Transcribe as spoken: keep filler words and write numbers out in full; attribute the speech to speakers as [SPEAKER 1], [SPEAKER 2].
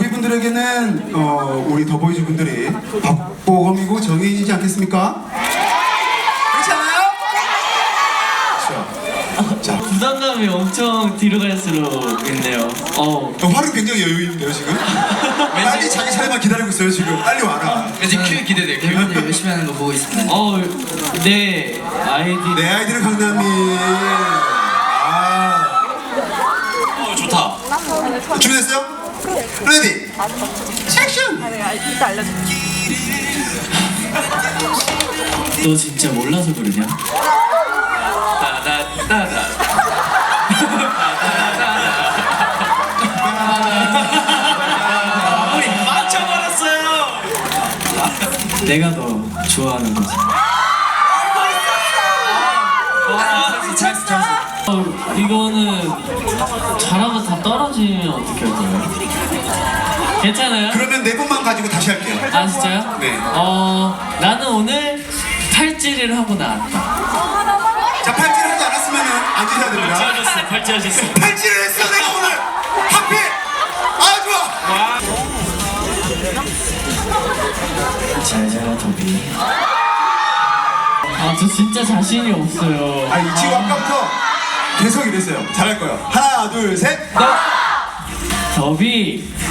[SPEAKER 1] 더비분들에게는 어, 우리 더보이즈 분들이 박보검이고 정해지지 않겠습니까? 그렇지 않아요? 그렇죠. 자,
[SPEAKER 2] 부담감이 엄청 뒤로 갈수록 있네요. 어.
[SPEAKER 1] 어, 화를 굉장히 여유 있는데요 지금? 빨리 자기 차례만 기다리고 있어요 지금. 빨리 와라.
[SPEAKER 3] 왠지 큐 기대돼요. 큐.
[SPEAKER 4] 멤버들 열심히 하는 거 보고 있습니다.
[SPEAKER 2] 어, 네 아이디.
[SPEAKER 1] 내 아이들은 강남이. 아,
[SPEAKER 3] 어, 좋다.
[SPEAKER 1] 준비됐어요? 레디. 액션.
[SPEAKER 5] 이따 알려줄게.
[SPEAKER 2] 너 진짜 몰라서 그러냐?
[SPEAKER 3] 따다따다. 우리 맞춰버렸어요.
[SPEAKER 2] 내가 너 좋아하는 거지.
[SPEAKER 3] 찬스 찬스.
[SPEAKER 2] 어, 이거는 잘하고 다 떨어지면 어떻게 할 거예요? 괜찮아요?
[SPEAKER 1] 그러면 네 분만 가지고 다시 할게요.
[SPEAKER 2] 아 진짜요?
[SPEAKER 1] 네.
[SPEAKER 2] 어 나는 오늘 팔찌를 하고 나왔다.
[SPEAKER 1] 자, 팔찌를 하지 않았으면 앉으셔야 됩니다.
[SPEAKER 3] 하셨어. 발전하셨어.
[SPEAKER 1] 팔찌를 했어 내가 오늘. 하필. 아 좋아.
[SPEAKER 2] 잘 자라 더비. 아 저 진짜 자신이 없어요.
[SPEAKER 1] 아니 지금 아까부터 계속 이랬어요. 잘할 거예요. 하나 둘 셋.
[SPEAKER 2] 더비